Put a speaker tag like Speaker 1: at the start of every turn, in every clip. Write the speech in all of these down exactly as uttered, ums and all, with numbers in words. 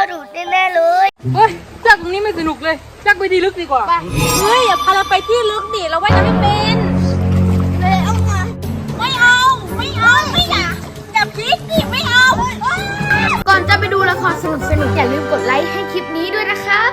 Speaker 1: ดูดแน่ๆเลย
Speaker 2: เฮ้ยจากตรงนี้ไม่สนุกเลยจากไปที่ลึกดีกว่าเฮ้ยอย่าพาเราไปที่ลึกดิเราว่ายน้ำไม่เป็นเลยเอามาไม่เอาไม่เอาไม่อยากอย่าพลิกดิไม่เอา
Speaker 1: ก่อนจะไปดูละครสนุกๆอย่าลืมกดไลค์ให้คลิปนี้ด้วยนะครับ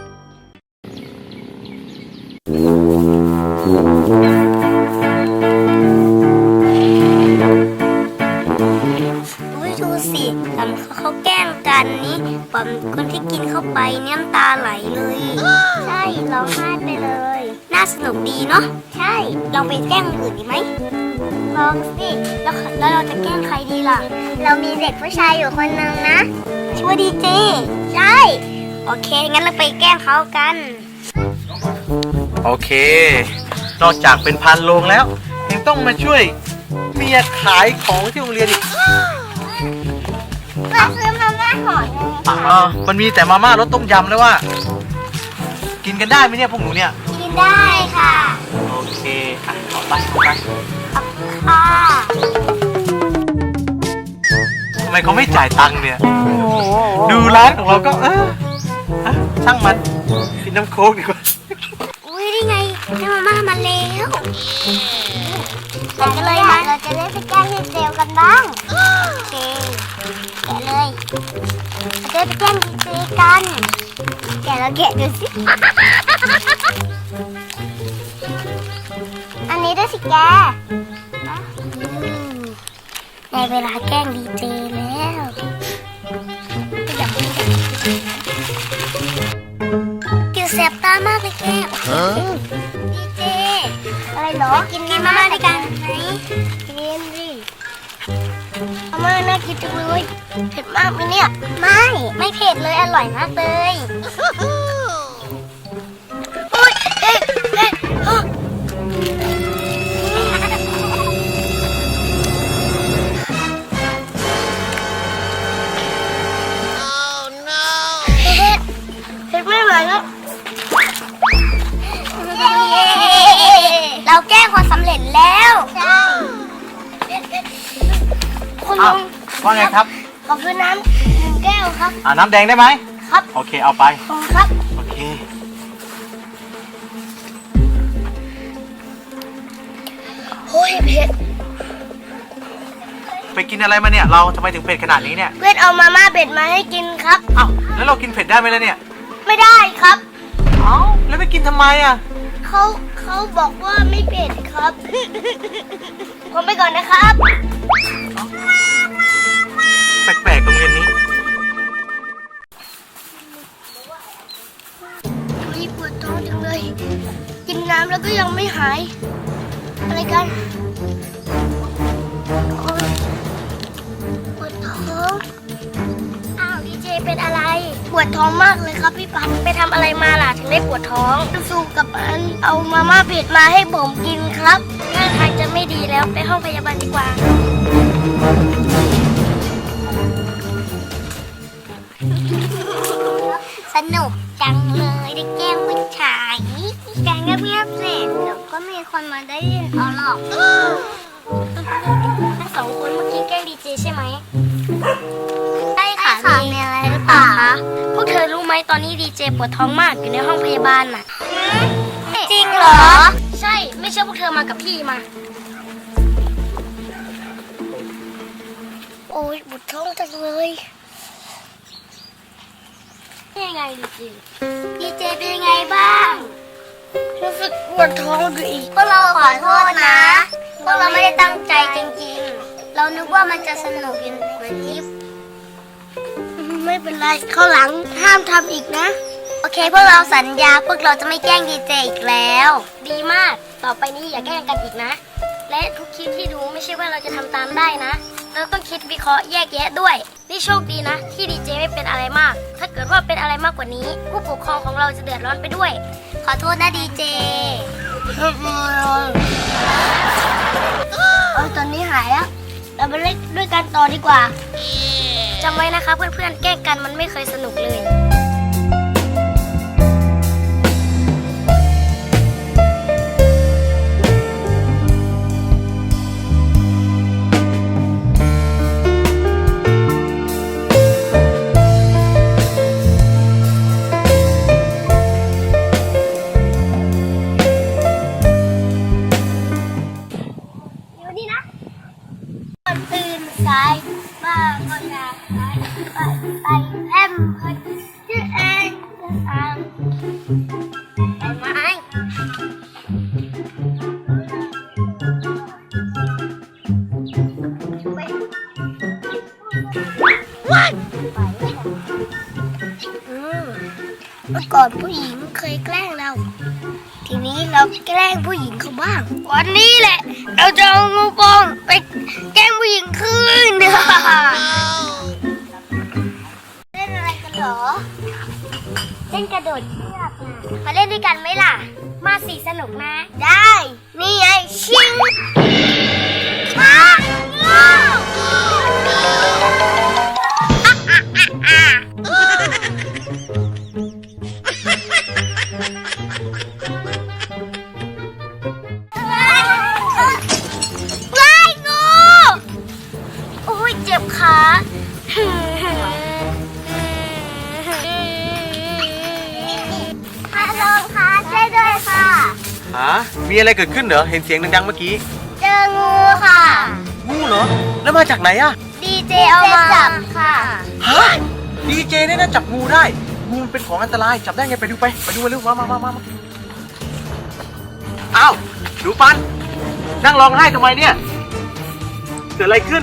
Speaker 1: อุ้ยดูสิตอนเขาแกล้งกันนี้ปอมคนที่กินเข้าไปเนี่ยน้ำตาไหลเลยใช่ร้องไห้ไปเลยน่าสนุกดีเนาะใช่ลองไปแกล้งอื่นดีไหมลองสิแล้วแล้วเราจะแกล้งใครดีล่ะเรามีเด็กผู้ชายอยู่คนนึงนะชื่อว่าดีเจใช่โอเคงั้นเราไปแกล้งเขากัน
Speaker 3: โอเคนอกจากเป็นพันโรงแล้วยังต้องมาช่วยเมียขายของที่โรงเรียนอีก
Speaker 1: มาซื้อมาม่าห่อนึง
Speaker 3: อ๋อมันมีแต่มาม่ารสต้มยำแล้วว่ากินกันได้ไหมเนี่ยพวกหนูเนี่ย
Speaker 1: กินได้ค่ะ
Speaker 3: โอเคอ่ะขอไปขอไป
Speaker 1: ค่ะ
Speaker 3: ทำไมเขาไม่จ่ายตังค์เนี่ยดูร้านของเราก็เออช่างมันกินน้ำโค้กดีกว่า
Speaker 1: อุ้ยได้ไงได้มาม่ามาแล้วแกะเลยมาเราจะได้ไปแกล้งดีเจกันบ้างโอเคแกะเลยเราจะไปแกล้งดีเจกันแกะแล้วแกะดูสิอันนี้ด้วยสิแกได้เวลาแกล้งดีเจแล้วกินแสบตามากเลยแกดีเจอะไรเหรอกินมาม่าด้วยกันไหมกินดิมาม่าน่ากินจังเลยเผ็ดมากไหมเนี่ยไม่ไม่เผ็ดเลยอร่อยมากเลยโอ๊ยเอ๊ะเอ๊ะไม่ไหวแล้วเราแก้คนสำเร็จแล้วคุณลุง
Speaker 3: ว่าไงครับ
Speaker 1: ขอซื้อน้ำหนึ่งแก้วครับ
Speaker 3: อ่าน้ำแดงได้ไหม
Speaker 1: ครับ
Speaker 3: โอเคเอาไป
Speaker 1: ขอบคุณครับ
Speaker 3: โอเค
Speaker 1: โอ้ยเผ็ด
Speaker 3: ไปกินอะไรมาเนี่ยเราทำไมถึงเผ็ดขนาดนี้เนี่ย
Speaker 1: เพื่อนเอามาม่าเผ็ดมาให้กินครับ
Speaker 3: อ้าวแล้วเรากินเผ็ดได้ไหมล่ะเนี่ย
Speaker 1: ไม่ได้ครับ
Speaker 3: เอ้าแล้วไปกินทำไมอ่ะ
Speaker 1: เขาเขาบอกว่าไม่เผ็ดครับผมไปก่อนนะครับ
Speaker 3: แปลกๆตรงเรียนนี้
Speaker 1: มีปวดท้องจังเลยกินน้ำแล้วก็ยังไม่หายอะไรกันปวดท้องอ้าวดีเจเป็นอะไรปวดท้องมากเลยครับพี่ปันไปทำอะไรมาล่ะถึงได้ปวดท้องสู้กับอันเอามาม่าเผ็ดมาให้ผมกินครับท่าทางจะไม่ดีแล้วไปห้องพยาบาลดีกว่าสนุกจังเลยได้แกล้งผู้ชายแกล้งเงียบๆเสร็จเดี๋ยวก็มีคนมาได้ยินเอาหรอกทั้งสองคนเมื่อกี้แกล้งดีเจใช่ไหมใช่ค่ะมีอะไรหรือเปล่าคะพวกเธอรู้ไหมตอนนี้ดีเจปวดท้องมากอยู่ในห้องพยาบาลน่ะจริงเหรอใช่ไม่เชื่อพวกเธอมากับพี่มาโอ้ยปวดท้องจังเลยเป็นยังไงดีเจดีเจเป็นยังไงบ้างรู้สึกปวดท้องอยู่อีกพวกเราขอโทษนะพวกเราไม่ได้ตั้งใจจริงๆเรานึกว่ามันจะสนุกอย่างเหมือนที่ไม่เป็นไรข้าวหลังห้ามทำอีกนะโอเคพวกเราสัญญาพวกเราจะไม่แกล้งดีเจอีกแล้วดีมากต่อไปนี้อย่าแกล้งกันอีกนะและทุกคลิปที่ดูไม่ใช่ว่าเราจะทำตามได้นะเราต้องคิดวิเคราะห์แยกแยะด้วยนี่โชคดีนะที่ดีเจไม่เป็นอะไรมากถ้าเกิดว่าเป็นอะไรมากกว่านี้ผู้ปกครองของเราจะเดือดร้อนไปด้วยขอโทษนะดีเจเออตอนนี้หายแล้วเราไปเล่นด้วยกันต่อดีกว่าจำไว้นะคะเพื่อนๆแกล้งกันมันไม่เคยสนุกเลยายบ้าก็อยากขายไปไปแอมเพิร์ดชื่อเองจะทำไปไหมว้ายอืมเมื่อก่อนผู้หญิงเคยแกล้งเรา ทีนี้เราแกล้งผู้หญิงเขาบ้าง วันนี้แหละ เราจะเอางูปองไปแกล้งผู้หญิงคืนเด้อเล่นอะไรกันเหรอ เล่นกระโดดเชือกนะมาเล่นด้วยกันไหมล่ะ มาสิสนุกนะ ได้ นี่ไงชิงมาว้ายงูโอ้ยเจ็บขาฮัลโหลค่ะช่วยด้วยค่ะ
Speaker 3: ฮะมีอะไรเกิดขึ้นเหรอเห็นเสียงดังๆเมื่อกี้
Speaker 1: เจองูค่ะ
Speaker 3: งูเหรอแล้วมาจากไหนอะ
Speaker 1: ดีเจเอามาจับค่ะ
Speaker 3: ฮะดีเจเนี่ยนะจับงูได้งูมันเป็นของอันตรายจับได้ไงไปดูไปไปดูมาเร็วมามามามาอ้าวดูปันนั่งร้องไห้ทำไมเนี่ยเกิดอะไรขึ้น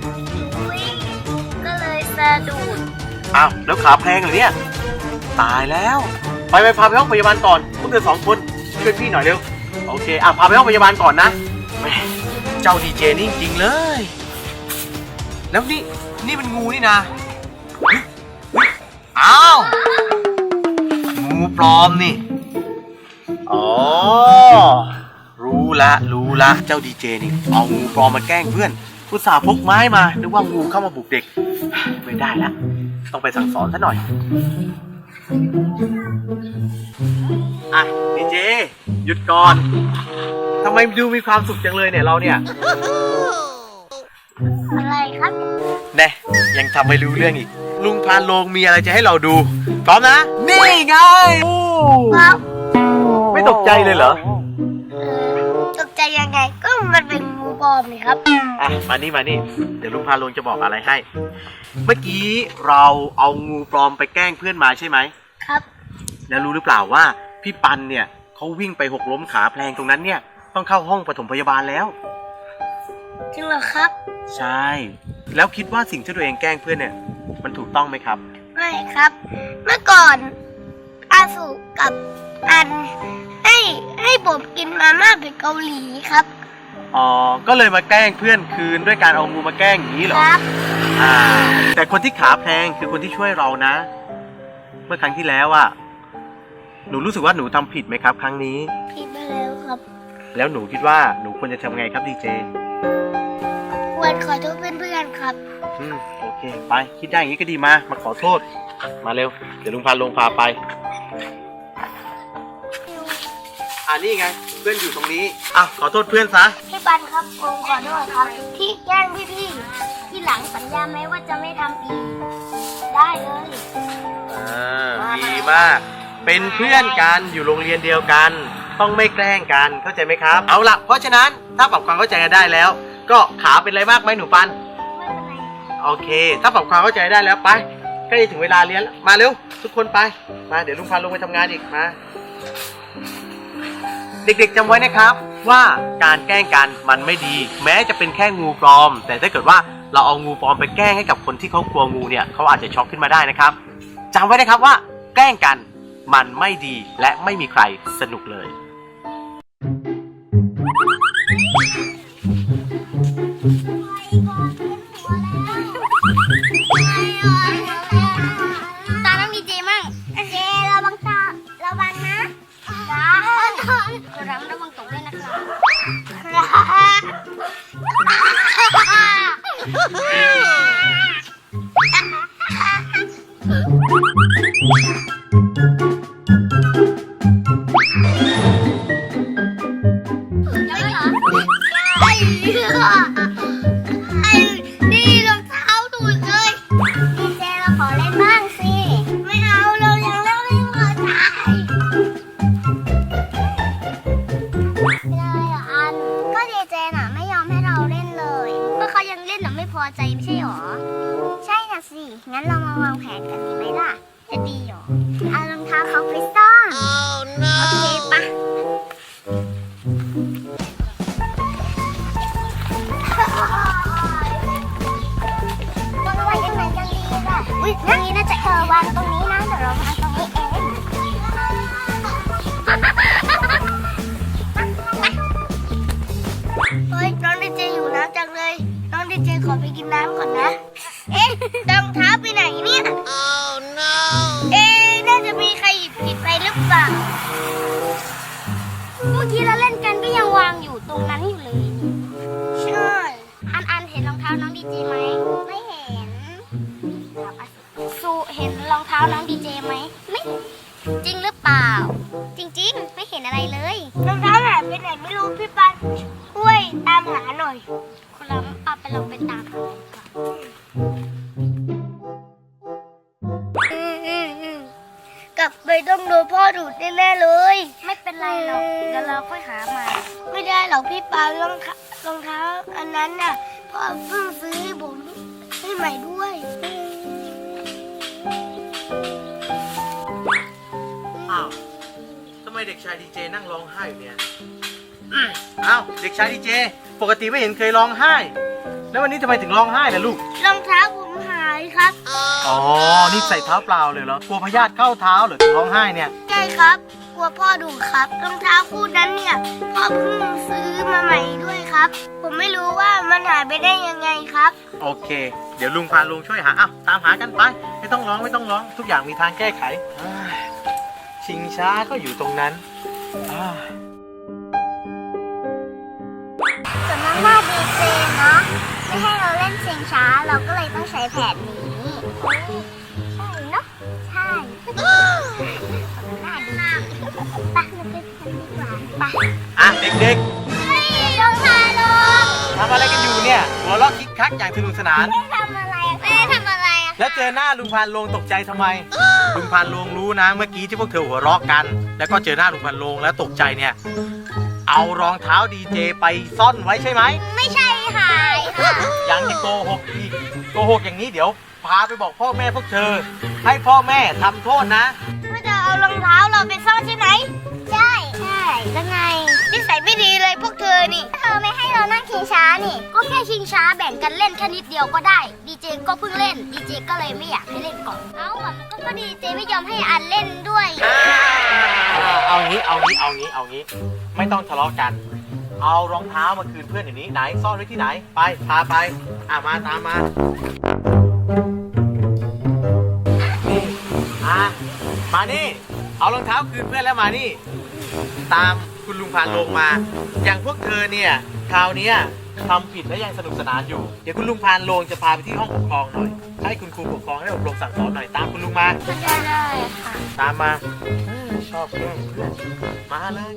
Speaker 1: ก็เลยสะดุด
Speaker 3: อ้าวแล้วขาแพงเหรอเนี่ยตายแล้วไปไปพาไปห้องพยาบาลก่อนพวกเธอสองคนช่วยพี่หน่อยเร็วโอเคอ่ะพาไปห้องพยาบาลก่อนนะแหมเจ้าดีเจนี่จริงๆเลยแล้วนี่นี่มันงูนี่นะเฮ้ยเฮ้ยอ้าวงูปลอมนี่อ๋อรู้ละรู้ละเจ้าดีเจนี่เอางูปลอมมาแกล้งเพื่อนอุตส่าห์พกไม้มานึกว่างูเข้ามาบุกเด็กไม่ได้ละต้องไปสั่งสอนซะหน่อยอ่ะดีเจหยุดก่อนทำไมดูมีความสุขจังเลยเนี่ยเราเนี่ย
Speaker 1: อะไรครับ
Speaker 3: แน่ยังทำไม่รู้เรื่องอีกลุงพานโลงมีอะไรจะให้เราดูพร้อมนะนี่ไง
Speaker 1: ครับ
Speaker 3: ไม่ตกใจเลยเหรอ
Speaker 1: เออตกใจยังไงก็มันเป็นงูปลอมนี่ครับ
Speaker 3: อ่ะมานี่มานี่เดี๋ยวลุงพานโลงจะบอกอะไรให้ เมื่อกี้เราเอางูปลอมไปแกล้งเพื่อนมาใช่ไหม
Speaker 1: ครับ
Speaker 3: แล้วรู้หรือเปล่าว่าพี่ปันเนี่ยเขาวิ่งไปหกล้มขาแพลงตรงนั้นเนี่ยต้องเข้าห้องปฐมพยาบาลแล้ว
Speaker 1: จริงเหรอครับ
Speaker 3: ใช่แล้วคิดว่าสิ่งที่ตัวเองแกล้งเพื่อนเนี่ยมันถูกต้องไหมครับ
Speaker 1: ไม่ครับ เมื่อก่อนอาสุกับอันให้ให้ผมกินมาม่าเป็นเกาหลีครับ
Speaker 3: อ๋อก็เลยมาแกล้งเพื่อนคืนด้วยการเอางูมาแกล้งอย่างนี้เหรอ
Speaker 1: ครับ
Speaker 3: อ่าแต่คนที่ขาแพงคือคนที่ช่วยเรานะ เมื่อครั้งที่แล้วอะหนูรู้สึกว่าหนูทำผิดไหมครับ ครั้งนี้
Speaker 1: ผิดไปแล้วครับ
Speaker 3: แล้วหนูคิดว่าหนูควรจะทำไงครับดีเจ
Speaker 1: ควรขอโทษเพื่อนๆครับ
Speaker 3: อืมโอเคไปคิดได้อย่างนี้ก็ดีมามาขอโทษมาเร็วเดี๋ยวลุงพาลงพาไปอ่านี่ไงเพื่อนอยู่ตรงนี้อ่ะขอโทษเพื่อนซะ
Speaker 1: พี่ปันครับผมขอโทษครับ ที่แกล้งพี่ๆที่หลังสัญญาไหมว่าจะไม่ทำอีก ได้เลย
Speaker 3: อ่าดีมากเป็นเพื่อนกันอยู่โรงเรียนเดียวกัน ต้องไม่แกล้งกันเข้าใจไหมครับเอาล่ะเพราะฉะนั้นถ้าปรับความเข้าใจกันได้แล้ว ก็ขาเป็นไรมากไหมหนูปัน
Speaker 1: ไม่เป็นไร
Speaker 3: โอเค ถ้าปรับความเข้าใจได้แล้วไปใกล้ถึงเวลาเรียนแล้วมาเร็วทุกคนไปมาเดี๋ยวลุงพาลงไปทำงานอีกมาเด็กๆจำไว้นะครับว่าการแกล้งกันมันไม่ดี แม้จะเป็นแค่งูปลอม แต่ถ้าเกิดว่าเราเอางูปลอมไปแกล้งให้กับคนที่เขากลัวงูเนี่ยเขาอาจจะช็อกขึ้นมาได้นะครับจำไว้นะครับว่าแกล้งกันมันไม่ดีและไม่มีใครสนุกเลย
Speaker 1: ตาต้องมีเจมั่งเจระวังตาระวังนะจ้าระวังระวังตกด้วยนะครับไอ้นี่รองเท้าดูดเลยดีเจเราขอเล่นบ้างสิไม่เอาเรายังเล่นไม่พอใจเป็นอะไรอ่ะอันก็ดีเจน่ะไม่ยอมให้เราเล่นเลยก็เขายังเล่นน่ะไม่พออใจไม่ใช่หรอใช่น่ะสิงั้นเรามาวางแผนกันดีไหมล่ะจะดีหรอเอารองเท้าเขาไปซ่อน oh, no. โอเคปะวางไว้ยังไงกันดีล่ะอุ้ยตรงนี้น่าจะเออวางตรงนี้นะเดี๋ยวเราวางตรงนี้เองเฮ้ยน้องดีเจอยู่น้ำจังเลยน้องดีเจขอไปกินน้ำก่อนนะเอ๊ะรองเท้าไปไหนเนี่ย oh, no. เอ๊ะน่าจะมีใครหยิบผิดไปหรือเปล่าเมื่อกี้เราเล่นกันก็ยังวางอยู่ตรงนั้นอยู่เลยใช่อันอันเห็นรองเท้าน้องดีเจไหมไม่เห็นสูเห็นรองเท้าน้องดีเจไหมไม่จริงหรือเปล่าจริงๆไม่เห็นอะไรเลยรองเท้าหายไปไหนไม่รู้พี่ปันช่วยตามหาหน่อยคุณล้ำเอาไปลองไปตามหาก่อนอืมอืมอืมกลับไปต้องโดนพ่อดูดแน่ๆเลยไม่เป็นไรหรอกเดี๋ยวเราค่อยหาใหม่ไม่ได้หรอกพี่ปันรองเท้ารองเท้าอันนั้นน่ะพ่อเพิ่งซื้อให้ผมให้ใหม่ด้วย
Speaker 3: อ้าวทำไมเด็กชายดีเจนั่งร้องไห้อยู่เนี่ยอ้าวเด็กชายดีเจปกติไม่เห็นเคยร้องไห้ แล้ววันนี้ทำไมถึงร้องไห้ล่ะลูก
Speaker 1: รองเท้าผมหายครับ
Speaker 3: อ๋อนี่ใส่เท้าเปล่าเลยเหรอกลัวพยาธิเข้าเท้าเหรอถึงร้องไห้เนี่ย
Speaker 1: ใช่ครับกลัวพ่อดุครับรองเท้าคู่นั้นเนี่ยพ่อเพิ่งซื้อมาใหม่ด้วยครับผมไม่รู้ว่ามันหายไปได้ยังไงครับ
Speaker 3: โอเคเดี๋ยวลุงพาลุงช่วยหาอ้าวตามหากันไปไม่ต้องร้องไม่ต้องร้องทุกอย่างมีทางแก้ไขชิงช้าก็อยู่ตรงนั้น
Speaker 1: สำนักหน้าดีเจเนาะไม่ให้เราเล่นชิงช้าเราก็เลยต้องใช้แผนนี้ใช่เนาะใช่สำนักหน้าดีเจไปเราไปกันดีกว่าไป
Speaker 3: อ่ะเด็ก
Speaker 1: ๆเฮ้ยลงมาลง
Speaker 3: ทำอะไรกันอยู่เนี่ยหัวเราะคิกคักอย่างสนุกสนาน
Speaker 1: ไม่ได้ทำอะไรไม่ได้ทำอะไร
Speaker 3: แล้วเจอหน้าลุงพานโรงตกใจทำไมลุงพานโรงรู้นะเมื่อกี้ที่พวกเธอหัวเราะกันแล้วก็เจอหน้าลุงพานโรงแล้วตกใจเนี่ยเอารองเท้าดีเจไปซ่อนไว้ใช่ไหม
Speaker 1: ไม่ใช่หายค่ะ
Speaker 3: ยังจะโกหกอีกโกหกอย่างนี้เดี๋ยวพาไปบอกพ่อแม่พวกเธอให้พ่อแม่ทำโทษนะ
Speaker 1: ไม่จะเอารองเท้าเราไปซ่อนใช่ไหมใช่ใช่แล้วไงนิสัยไม่ดีเลยพวกเธอนี่เธอไม่ให้เรานั่งชิงช้านี่ก็แค่ชิงช้าแบ่งกันเล่นแค่นิดเดียวก็ได้ดีเจก็เพิ่งเล่นดีเจก็เลยไม่อยากให้เล่นก่อนเอ้ามันก็ก็ดีเจไม่ยอมให้อันเล่นด้วย
Speaker 3: เอางี้เอางี้เอางี้เอางี้ไม่ต้องทะเลาะกันเอารองเท้ามาคืนเพื่อนอย่างนี้ไหนซ่อนไว้ที่ไหนไปพาไปอ่ะมาตามมานี่อ่ะมานี่เอารองเท้าคืนเพื่อนแล้วมานี่ตามคุณลุงพานลงมาอย่างพวกเธอเนี่ยคราวนี้ทำผิดและยังสนุกสนานอยู่เดี๋ยวคุณลุงพานลงจะพาไปที่ห้องปกครองหน่อยให้คุณครูปกครองให้อบรมสั่งสอนหน่อยตามคุณลุงมา
Speaker 1: ได้ได้ค่ะ
Speaker 3: ตามมาชอบเพื่อนมาเลย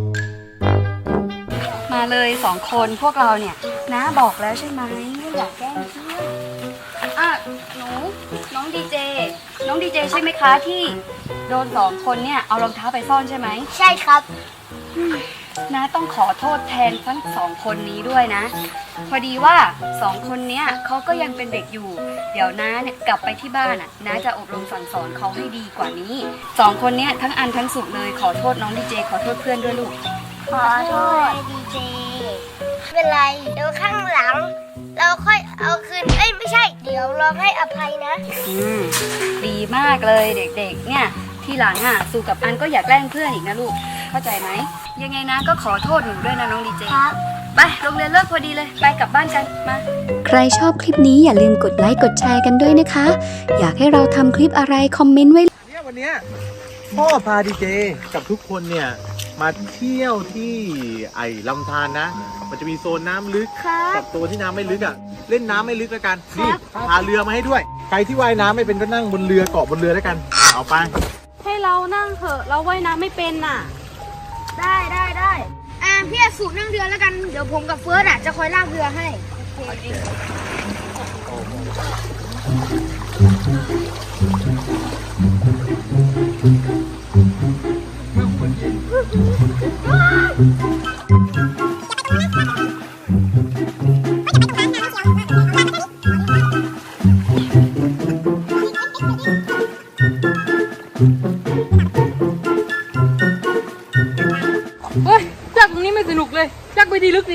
Speaker 2: มาเลยสองคนพวกเราเนี่ยนะบอกแล้วใช่ไหมไม่อยากแกล้งเพื่อนอ่ะหนูน้องดีเจน้องดีเจใช่ไหมคะที่โดนสองคนเนี่ยเอารองเท้าไปซ่อนใช่ไหม
Speaker 1: ใช่ครับ
Speaker 2: นะต้องขอโทษแทนทั้งสองคนนี้ด้วยนะพอดีว่าสองคนเนี้ยเขาก็ยังเป็นเด็กอยู่เดี๋ยวน้าเนี่ยกลับไปที่บ้านอ่ะน้าจะอบรมสั่งสอนเขาให้ดีกว่านี้สองคนเนี้ยทั้งอันทั้งสุดเลยขอโทษน้องดีเจขอโทษเพื่อนด้วยลูก
Speaker 1: ขอโทษดีเจไม่เป็นไรเดี๋ยวข้างหลังเราค่อยเอาคืนเอ้ยไม่ใช่เดี๋ยวเราให้อภัยนะ
Speaker 2: อืมดีมากเลยเด็กๆเนี่ยทีหลังอ่ะสู่กับอันก็อยากแกล้งเพื่อนอีกนะลูกเข้าใจไหมยังไงนะก็ขอโทษหนูด้วยนะน้องดีเจ
Speaker 1: ครับ
Speaker 2: ไปโรงเรียนเลิกพอดีเลยไปกลับบ้านกันมา
Speaker 4: ใครชอบคลิปนี้อย่าลืมกดไลค์กดแชร์กันด้วยนะคะอยากให้เราทำคลิปอะไรคอมเมนต์ไว้
Speaker 3: เนี่ยวันเนี้ยพ่อพาดีเจกับทุกคนเนี่ยมาเที่ยวที่ไอ้ลำธารนะมันจะมีโซนน้ำลึกกับตัวที่น้ำไม่ลึกอ่ะเล่นน้ำไม่ลึกแล้วกันนี่พาเรือมาให้ด้วยใครที่ว่ายน้ำไม่เป็นก็นั่งบนเรือเกาะบนเรือแล้วกันเอาไป
Speaker 2: ให้เรานั่งเถอะเราว่ายน้ำไม่เป็นน่ะ
Speaker 1: ได้ได้ได้อ่าพี่สูนั่งเรือแล้วกันเดี๋ยวผมกับเฟิร์สอ่ะจะคอยลากเรือให้โอเค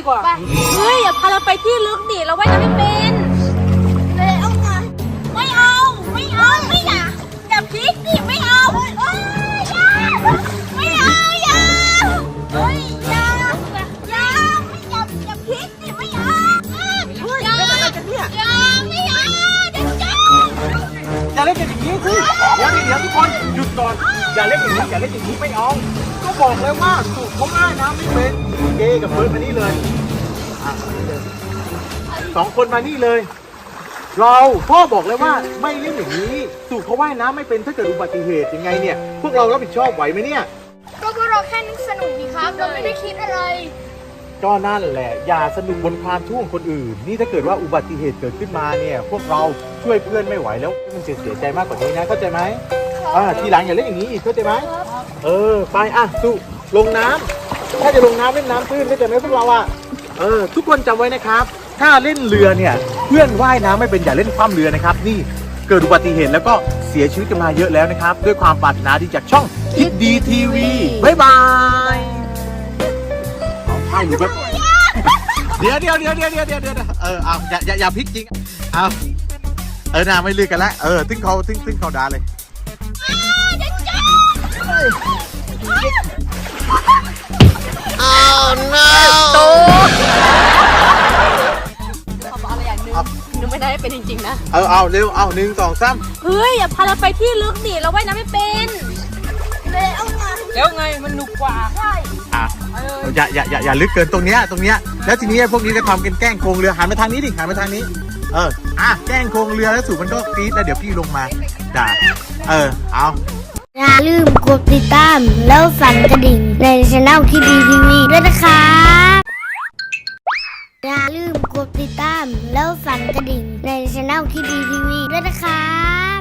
Speaker 2: กว่าเฮ้ยอย่าพาเราไปที่ลึกดิเราว่ายน้ำไม่เป็นเลยเอาไงไม่เอาไม่เอาไม่อยากอย่าพลิกดิไม่เอาเอ้ยอย่าไม่เอาอย่าเฮ้ยอย่าอย่าไม่อย่าอย่าพลิกดิไม่เอาอย่าอย่าไม่เอาเด็กจ้า
Speaker 3: อย่าเล่นกันอย่างนี้สิเดี๋ยวเดี๋ยวทุกคนหยุดก่อนอย่าเล่นอย่างนี้อย่าเล่นอย่างนี้ไม่เอาก็บอกแล้วว่าสูตรเขาง่ายนะไม่เป็นเกกับเฟิร์สมานี่เลยอ่ะสองคนมานี่เลย เราพ่อบอกแล้วว่าไม่เล่นอย่างนี้สูตรเขาว่ายน้ำไม่เป็นถ้าเกิดอุบัติเหตุยังไงเนี่ยพวกเรารับผิดชอบไหวไหมเนี่ย
Speaker 1: ก็พวกเราแค่นึกสนุกดีครับ เราไม่ได้คิดอะไร
Speaker 3: ก็นั่นแหละอย่าสนุกบนความทุกข์ของคนอื่นนี่ถ้าเกิดว่าอุบัติเหตุเกิดขึ้นมาเนี่ยพวกเราช่วยเพื่อนไม่ไหวแล้วมันจะเสียใจมากกว่านี้นะเข้าใจไหมอ่าทีหลังอย่าเล่นอย่างนี้อีกเข้าใจไหมเออไปอ่ะสู้ลงน้ำถ้าจะลงน้ำเล่นน้ำตื้นเข้าใจไหมพวกเราอ่ะเออทุกคนจำไว้นะครับถ้าเล่นเรือเนี่ยเพื่อนว่ายน้ำไม่เป็นอย่าเล่นคว่ำเรือนะครับนี่เกิดอุบัติเหตุแล้วก็เสียชีวิตกันมาเยอะแล้วนะครับด้วยความปรารถนาดีจากช่องคิดดีทีวีบ๊ายบายเอาให้หนูแบบเดี๋ยวเดี๋ยวเดี๋ยวเดี๋ยวเดี๋ยวเดี๋ยวเดี๋ยวเออเอาอย่าอย่าอย่าพลิกจริงเอาเออนาไม่ลือกันแล้วเออตึ้งเขาตึ้งตึ้งเขาด่าเลยโต
Speaker 2: ขอบอกอะไรอย่างหนึงหนูไม่ได้เป็นจริงๆนะ
Speaker 3: เอาเอาเร็วเอาหนึ่งสองสาม
Speaker 2: เฮ้ยอย่าพาเราไปที่ลึกดิเราว่ายน้ำไม่เป็นเลยเอาไงแล้วไงมันหนุกกว่าใช่
Speaker 3: อ่ะอย่าอย่าอย่าอย่าลึกเกินตรงเนี้ยตรงเนี้ยแล้วทีนี้พวกนี้จะทำกันแกล้งโครงเรือหันมาทางนี้ดิหันมาทางนี้เอออ่ะแกล้งโครงเรือแล้วสูบมันก็กรี๊ดแล้วเดี๋ยวพี่ลงมาด่าเออเอา
Speaker 1: อย่าลืมกดติดตามแล้วสั่นกระดิ่งในช่องคิดดีทีวีด้วยนะครับอย่าลืมกดติดตามแล้วสั่นกระดิ่งในช่องคิดดีทีวีด้วยนะครับ